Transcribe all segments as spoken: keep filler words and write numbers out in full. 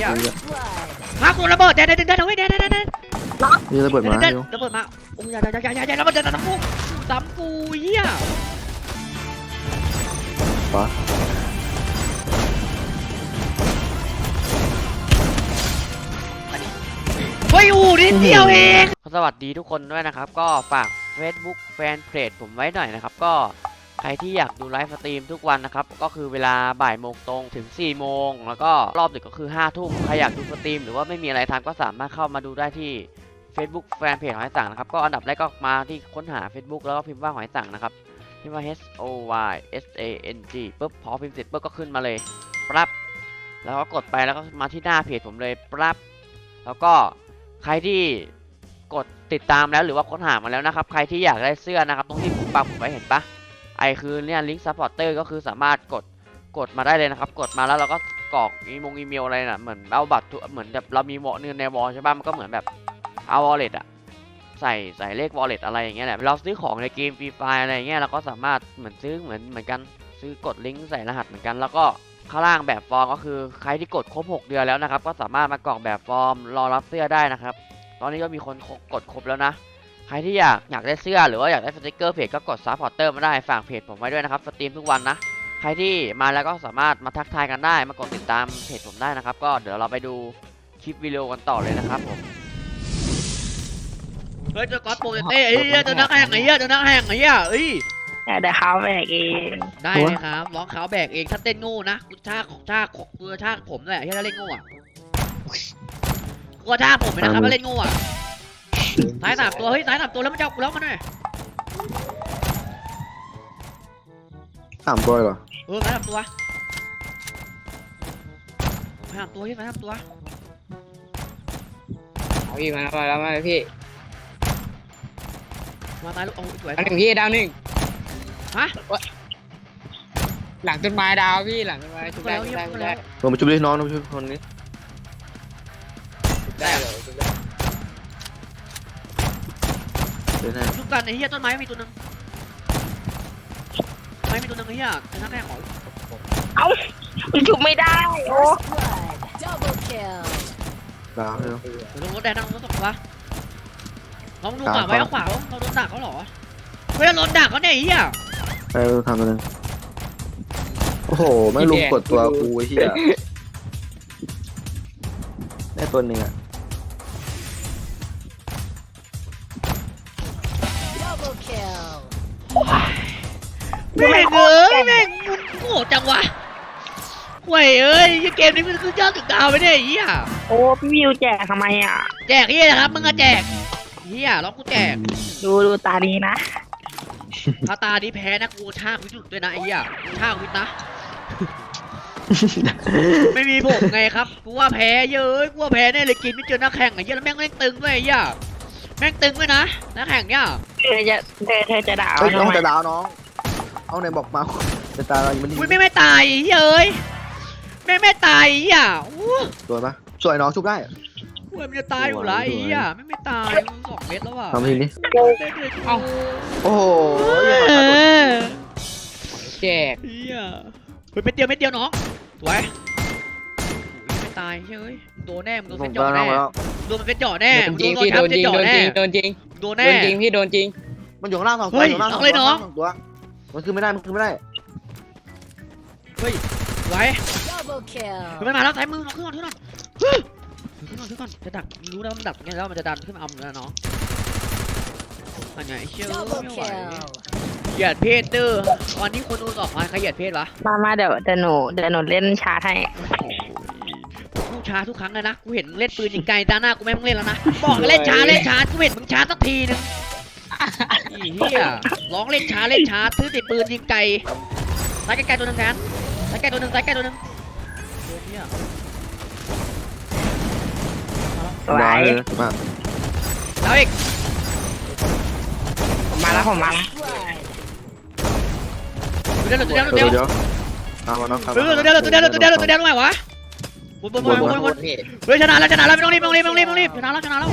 อ่ะมากูระเบิดเดี๋ยวเดี๋ยวเดี๋ยวเดี๋ยวเดี๋ยวเดี๋ยวเดี๋ยวนี่ระเบิดมาเดี๋ยวเร็วระเบิดมาโอ้ยอย่าอย่าอย่าอย่าอย่าระเบิดจะทำกูทำกูเหี้ยปะเฮ้ยอูนิดเดียวเองสวัสดีทุกคนด้วยนะครับก็ฝาก Facebook แฟนเพจผมไว้หน่อยนะครับก็ใครที่อยากดูไลฟ์สตรีมทุกวันนะครับก็คือเวลาบ่ายโมงตรงถึงสี่โมงแล้วก็รอบดึกก็คือห้าทุ่มใครอยากดูสตรีมหรือว่าไม่มีอะไรทำก็สามารถเข้ามาดูได้ที่ Facebook แฟนเพจหอยสังนะครับก็อันดับแรกก็มาที่ค้นหา Facebook แล้วก็พิมพ์ว่าหอยสังนะครับพิมพ์ว่า H O Y S A N G ปุ๊บพอพิมพ์เสร็จปุ๊บก็ขึ้นมาเลยปั๊บแล้วก็กดไปแล้วก็มาที่หน้าเพจผมเลยปั๊บแล้วก็ใครที่กดติดตามแล้วหรือว่าค้นหามาแล้วนะครับใครที่อยากได้เสื้อนะครับตรงที่ผมปักผมไว้เห็นปะไอคือเนี่ยลิงก์ซัพพอร์เตอร์ก็คือสามารถกดกดมาได้เลยนะครับกดมาแล้วเราก็กรอกอีมงอีเมลอะไรน่ะเหมือนเอาบัตรเหมือนแบบเรามีวอลเงินในวอลใช่ปะมันก็เหมือนแบบเอาวอลเล็ตอะใส่ใส่เลขวอลเล็ตอะไรอย่างเงี้ยแหละเราซื้อของในเกมฟรีไฟอะไรอย่างเงี้ยเราก็สามารถเหมือนซื้อเหมือนเหมือนกันซื้อกดลิงก์ใส่รหัสเหมือนกันแล้วก็ข้างล่างแบบฟอร์มก็คือใครที่กดครบหกเดือนแล้วนะครับก็สามารถมากรอกแบบฟอร์มรอรับเสื้อได้นะครับตอนนี้ก็มีคนกดครบแล้วนะใครที่อยากอยากได้เสื้อหรือว่าอยากได้สติกเกอร์เพจก็กดซัพพอร์เตอร์มาได้ฝากเพจผมไว้ด้วยนะครับสตรีมทุกวันนะใครที่มาแล้วก็สามารถมาทักทายกันได้มากดติดตามเพจผมได้นะครับก็เดี๋ยวเราไปดูคลิปวิดีโอกันต่อเลยนะครับผมเฮ้ยเจ้าก๊อตโปรเต้เอ้ยเจ้านักแห่งไอ้เหี้ยเจ้านักแห่งไอ้เหี้ยเอ้ยแต่เขาแบกเองได้เลยครับร้องเขาแบกเองถ้าเต้นโง่นะกูชากของชากของกูชากผมเลยที่ถ้าเล่นโง่อะกูชากผมเลยนะครับถ้าเล่นโง่อะสายสามตัวเฮ้ยสายสามตัวแล้วมันจะกูแล้วมันหน่อยสามตัวเหรอเออสายสามตัวสายสามตัวที่สายสามตัวเอาพี่มาแล้วมาพี่มาตายลูกโอ้ยสวยดาวหนึ่งพี่ดาวหนึ่งฮะหลังต้นไม้ดาวพี่หลังต้นไม้ชุบได้ชุบได้ชุบได้ลงมาชุบดิน้องลงมาชุบคนนี้ชุบได้เหรอชุบได้เดี๋ยวนะลูกกันไอ้เหี้ยต้นไม้มีตัวนึงไม้มีตัวนึงไอ้เหี้ยไอ้นักแข่งของเอ้าชุบไม่ได้โอ้ดาวเร็วลงรถแดงนั่งรถตกปะลองดูขวาไว้เอาขวาเราโดนดักเขาหรอเฮ้ยโดนดักเขาเนี่ยไอ้เหี้ยไปทำตัวนึงโอ้โหไม่ลุมกดตัวกูไอ้เหี้ยได้ตัวหนึ่งอ่ะแม่งเอ้ยแม่งมันโง่จังวะห่วยเอ้ยเกมนี้มันคือยอดถึงดาวไปเนี่ยไอ้เหี้ยโอ้พี่วิวแจกทำไมอ่ะแจกเหี้ยนะครับมึงอะแจกเหี้ยร้องกูแจกดูดูตาดีนะถ้าตานี้แพ้นะกูชากวิจุดด้วยนะไอ้เหี้ยชากวิทนะไม่มีผมไงครับกูว่าแพ้เยอะกูว่าแพ้แน่เลยกินไม่เจอนักแข่งไอ้เหี้ยแล้วแม่งเล่นตึงด้วยไอ้เหี้ยแม่งตึงด้วยนะนักแข่งเนี่ยเธอจะเธอเธอจะด่าเฮ้ยน้องทำไมจะดาวน้องเอาไหนบอกมาจะตายยังไม่ดีอุ้ยไม่ไม่ตายเย้ยแม่ไม่ตายอ่ะอู้สวยปะสวยน้องชุบได้หูมันจะตายอยู่ละไอ้อ่ะไม่ไม่ตายมันสองเม็ดแล้วอ่ะทำทีนี้เอ้าโอ้โหแจกเฮียเฮ้ยเม็ดเดียวเม็ดเดียวน้องสวยไม่ตายเฮ้ยโดนแน่มึงโดนผเซ็มตก็จ่อน้อแน่งแล้วโดนมันเซ็ตจ่อแน่โดนจริงพี่โดนจริงโดนจริงโดนจริงโดนโดแน่นจริงพี่โดนจริงมันอยู่ข้างล่างสองตัวเฮ้ยอยู่ข้างล่างเอาเลยน้องสตัวมันคือไม่ได้มันคือไม่ได้เฮ้ยสวยมันมาแล้วซ้ายมือน้องขึ้นก่อนขึ้นก่อนขึ้นก่อนขึ้นก่อนจะดักรู้แล้วมันดักไงแล้วมันจะดันขึ้นมาเอาแล้วน้องอันไหนเชื่อไม่ไหวเหยียดเพศเด้อวันนี้คนดูสองพันใครเหยียดเพศวะมามาเดี๋ยวเดี๋ยวหนูเดี๋ยวหนูเล่นชาร์จให้กูช้าทุกครั้งเลยนะกูเห็นเล่นปืนยิงไกลตาหน้ากูไม่ต้องเล่นแล้วนะบอกเล่นช้าเล่นช้ากูเห็นมึงช้าสักทีนึงอีเหี้ยร้องเล่นช้าเล่นช้าถือติดปืนยิงไกลซ้ายไกลๆตัวนึงแทนซ้ายไกลตัวนึงซ้ายไกลตัวนึงเหี้ยสวดาวย เลยถูกปะแล้วอีกผมมาแล้วผมมาแล้วตัวเดียวตัวเดียวตัวเดี๋เดียยว วเดี๋ยวเอามาน้องครับตัวเดียวตัวเดียวตัวเดียวตัวเดียวตัวเดียวทำไมวะบนบนบนบนบนเฮ้ยชนะแล้วชนะแล้วไม่ต้องรีบไม่ต้องรีบไม่ต้องรีบไม่ต้องรีบชนะแล้วชนะแล้ว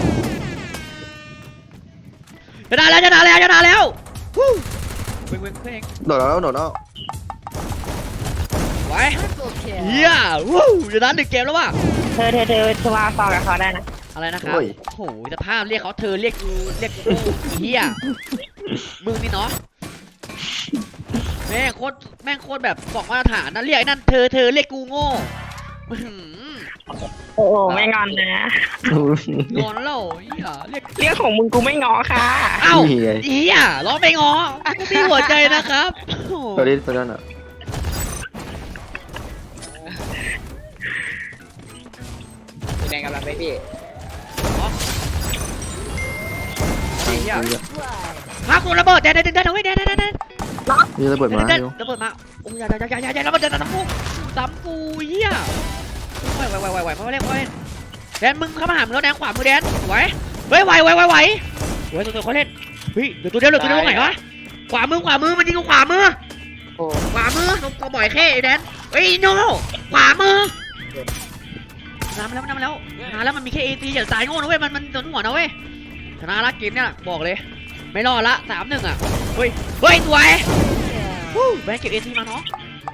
ชนะแล้วชนะแล้วชนะแล้ววู้เว้งเว้งเว้งโดดแล้วโดดแล้วไว้เฮียวู้ชนะหนึ่งเกมแล้วว่ะเธอเธอเธอเธอมาฟังกับเขาได้นะอะไรนะครับโอ้โหสภาพเรียกเขาเธอเรียกกูเรียกกูเฮียมึงนี่เนาะแม่งโคตรแม่งโคตรแบบบอกมาตรฐานนะเรียกไอ้นั่นเธอเธอเรียกกูโง่โอ้โหไม่งอนนะงอนแล้วเฮียเรียกเรื่องของมึงกูไม่งอค่ะเอ้าเฮียร้องไปงอกูมีหัวใจนะครับตัวนี้ตัวนั้นอ่ะสีแดงกำลังไปพี่เฮียพักกูระเบิดเดี๋ยวเดี๋ยวเดี๋ยวเดี๋ยวเดี๋ยวเดี๋ยวเดี๋ยวนี่ระเบิดมาเดี๋ยวอยู่ระเบิดมาโอ้ยอย่าอย่าอย่าอย่าอย่าระเบิดจะทำกูทำกูเฮียไหวไหวไหวไหวไหวเพราะว่าเล่นเพราะว่าเล่นแดนมึงเข้ามาหามึงแล้วแดนขวามือแดนไหวเฮ้ยไหวไหวไหวไหวไหวตัวตัวเขาเล่นเฮ้ยเดี๋ยวตัวเดียวเดี๋ยวตัวเดียวตรงไหนวะขวามือขวามือมันยิงกูขวามือโอ้ขวามือนมกระบ่อยแค่ไอ้แดนเฮ้ยโน่ขวามือน้ำแล้วน้ำแล้วน้ำแล้วมันมีแค่เอทีอย่าสายโง่นะเว้ยมันมันโดนหัวนะเว้ยชนะละเกมเนี่ยบอกเลยไม่รอดละสามหนึ่งอ่ะเฮ้ยเฮ้ยสวยแบงค์เก็บเอทีมาเนาะ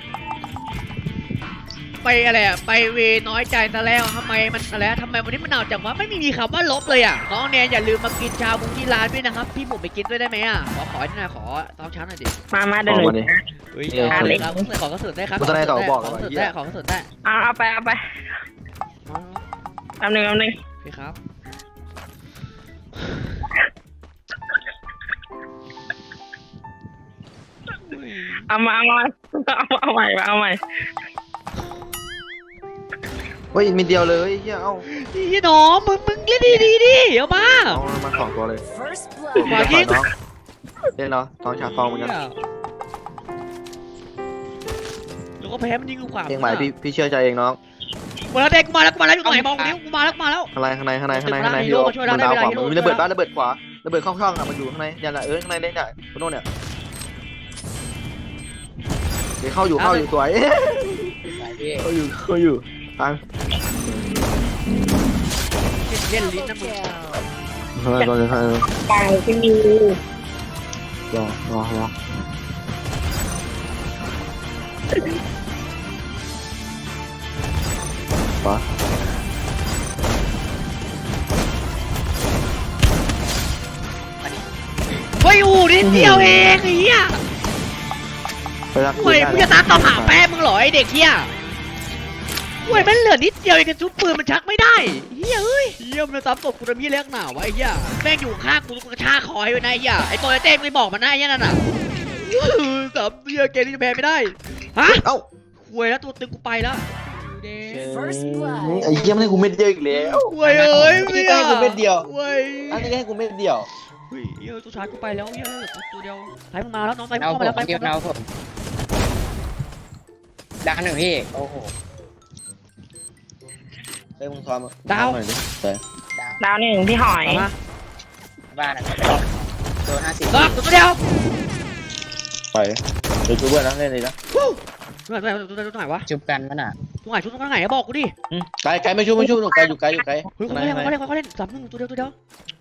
ไปอะไรอ่ะไปเวน้อยใจซะแล้วทำไมมันอะไรทำไมวันนี้มันหนาวจังวะไม่มีคำว่าลบเลยอ่ะน้องแนนอย่าลืมมากินชาบูที่ร้านด้วยนะครับพี่หมูไปกินด้วยได้ไหมอ่ะขอขอหน่อยขอตอนเช้าหน่อยดิมามาเดินหนูเฮ้ยเออเอาเลยครับขอกระสุนได้ครับขอกระสุนได้ขอกระสุนได้ขอกระสุนได้เอาเอาไปเอาไปเอาหนึ่งเอาหนึ่งพี่ครับอุ้ยเอามาเอามาเอาเอาใหม่เอาใหม่เฮ้ยมีเดียวเลยเฮียเอ้าพี่น้องมึงมึงเล่นดีดีดิเอามาเอามาสองตัวเลยขวายิงน้องเล่นเนาะทองชาฟองเหมือนกันแล้วก็แพ้มันยิงกูขวาเองใหม่พี่พี่เชื่อใจเองน้องมาแล้วเด็กมาแล้วกูมาแล้วอยู่ตรงไหนมองนิ้วกูมาแล้วกูมาแล้วข้างในข้างในข้างในข้างในข้างในฮีฮีโร่โร่มาช่วยเรามันดาวได้ขวาเวลาฮีโร่มันมีระเบิดบ้านระเบิดขวาระเบิดเข้าช่องอ่ะมันอยู่ข้างในยันละเออข้างในเล่นเนี่ยคุณโน่เนี่ยเดี๋ยวเข้าอยู่เข้าอยู่สวยไปพี่เข้าอยู่เข้าอยู่ฟังเล่นลิ้นนะมึงรอรอรอรอไปที่มีรอรอรอปะเฮ้ยอูนิดเดียวเองไอ้เหี้ยไปรักเฮ้ยมึงจะตามต่อหาแป้มึงเหรอไอเด็กเหี้ยเฮ้ยมันเหลือนิดเดียวเองกระชุบปืนมันชักไม่ได้เหี้ยเอ้ยเหี้ยมันจะตามตบกูทำเหี้ยเล็กหนาวะไอ้เหี้ยแม่งอยู่ข้างกูกระชากคอให้ไว้นะไอ้เหี้ยไอ้ตัวไอ้เต้ไม่บอกมันนะไอ้เหี้ยนั่นน่ะสามเหี้ยเกมนี้จะแพ้ไม่ได้ฮะเอ้าคุยแล้วตัวตึงกูไปแล้วเด้ไอ้เหี้ยมันให้กูเม็ดเดียวอีกแล้วคุยเอ้ยอันนี้ก็ให้กูเม็ดเดียวคุยอันนี้ก็ให้กูเม็ดเดียวเฮ้ยเหี้ยตัวชายกูไปแล้วเหี้ยตัวเดียวไอ้มึงมาแล้วน้องไอ้มึงเอาเข้าผมาแล้วมไอ้เก็บมึงเอาผมดังหนึ่งพี่โอ้โหเฮ้ยมึงซ้อมดาวหน่อยดิไปดาวหนึ่งพี่หอยเอามาบ้านอะไรโดนห้าสิบล็อกตัวเดียวไปเดี๋ยวจูเบิร์นะเล่นเลยนะตัวไหนตัวไหนตัวไหนวะจุบกันมันอ่ะตัวไหนชุดตัวไหนบอกกูดิไกลไกลไม่ชูไม่ชูหนูไกลอยู่ไกลอยู่ไกลเฮ้ยเขาเล่นเขาเล่นเขาเล่นสามหนึ่งตัวเดียวตัวเดียว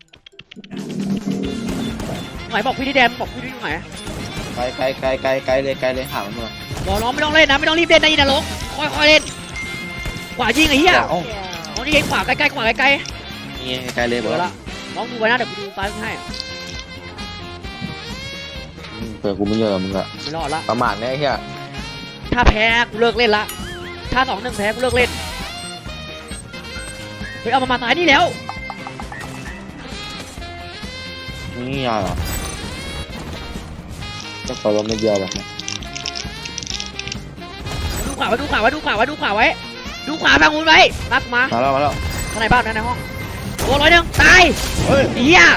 ไหนบอกพี่ดิแดมบอกพี่ดิตรงไหนไกลไกลไกลไกลไกลเลยไกลเลยหามันมาบอกน้องไม่ต้องเล่นนะไม่ต้องรีบเล่นนะยินนะลงค่อยๆเล่นขวายิงไอ้เหี้ยเอ้าน้องนี่ยิงขวาใกล้ๆขวาใกล้นี่ไกลเลยๆบอกเดี๋ยวละน้องดูไว้นะเดี๋ยวกูดูซ้ายให้เปิดกูไม่เยอะมึงอะไม่รอดละประมาทเนี่ยไอ้เหี้ยถ้าแพ้กูเลิกเล่นละถ้าสองหนึ่งแพ้กูเลิกเล่นเฮ้ยเอามามาซ้ายนี่แล้วนี่ยาเหรอจะขอลมไม่เดียวแบบนี้ดูขวาไว้ดูขวาไว้ดูขวาไว้ดูขวาไว้ดูขวาฟังคุณไว้รักมามาแล้วมาแล้วข้างในบ้านนะในห้องตัวร้อยหนึ่งตายเฮ้ยเฮีย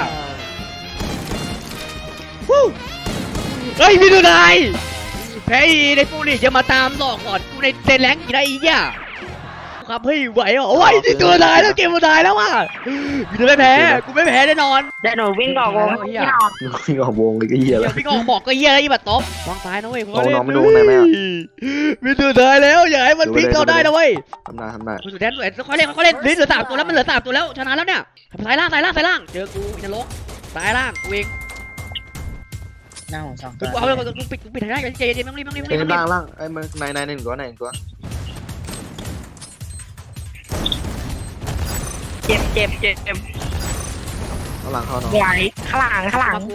ฮู้เฮ้ยพี่ดูนายแพ้อีในฟูนี่จะมาตามหลอกก่อนกูในเซนแรงอีกนะอีเหี้ยครับเฮ้ยไหวเหรอไหวที่ตัวนายแล้วเกมมันตายแล้วว่ะกูจะไม่แพ้กูไม่แพ้แน่นอนเดี๋ยวหนูวิ่งออกวงพี่หอยนี่ออกวงเลยก็เหี้ยเดี๋แล้ยว วพี่กองบอกก็เหี้ยแล้วอีบัดต๊อบวางซ้ายนะเว้ยเอาน้องไม่ดูข้างในไหมอะพี่ตัวนายแล้วอย่าให้มันพลิกเราได้นะเว้ยทำได้ทำได้สุดแดนสุดแดนค่อยเล่นค่อยเล่นลิ้นเหลือสามตัวแล้วมันเหลือสามตัวแล้วชนะแล้วเนี่ยซ้ายล่างซ้ายล่างซ้ายล่างเจอกูอินทรกซ้ายล่างกูเองหน้าผมสองตักูวเอาเลยกูปิดกูปิดทางได้ใจเย็นๆมึงรีบมึงรีบมึงเอ้รียบล่างล่างไอ้มันนายนายหนึ่งตัวไหนตัวเจ็บเจ็บเจ็บเจ็บข้างหลังเข้าเนาะไหวข้างหลังข้างหลัง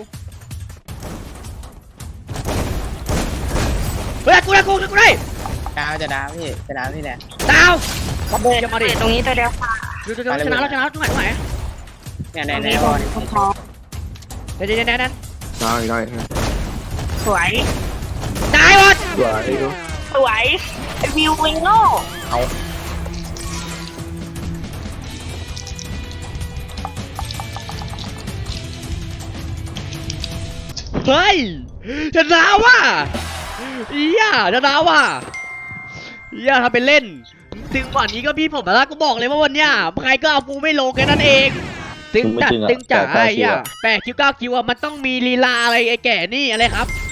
เฮ้ยกูได้กูได้กูได้ดาวจะดาวพี่จะดาวพี่แหละดาวระเบิดระเบิดตรงนี้ตัวเดียวค่ะดูดูดูชนะแล้วชนะแล้วตรงไหนตรงไหนเนี่ยตในรงในนี้บบอลนคอเดี๋ยวเดี๋ยวเดี๋ยวเดี๋ยวได้ได้สวยตายหมดสวยดูสวยวิววิงโง่เฮ้ยชนะว่ะเหี้ยชนะว่ะเหี้ยทำเป็นเล่นถึงวันนี้ก็พี่ผมแล้วกูบอกเลยว่าวันเนี้ยใครก็เอากูไม่ลงแค่นั้นเองตึงจัดตึงจ๋าไอ้เหี้ยแปดคิวเก้าคิวอะมันต้องมีลีลาอะไรไอ้แก่นี่อะไรครับ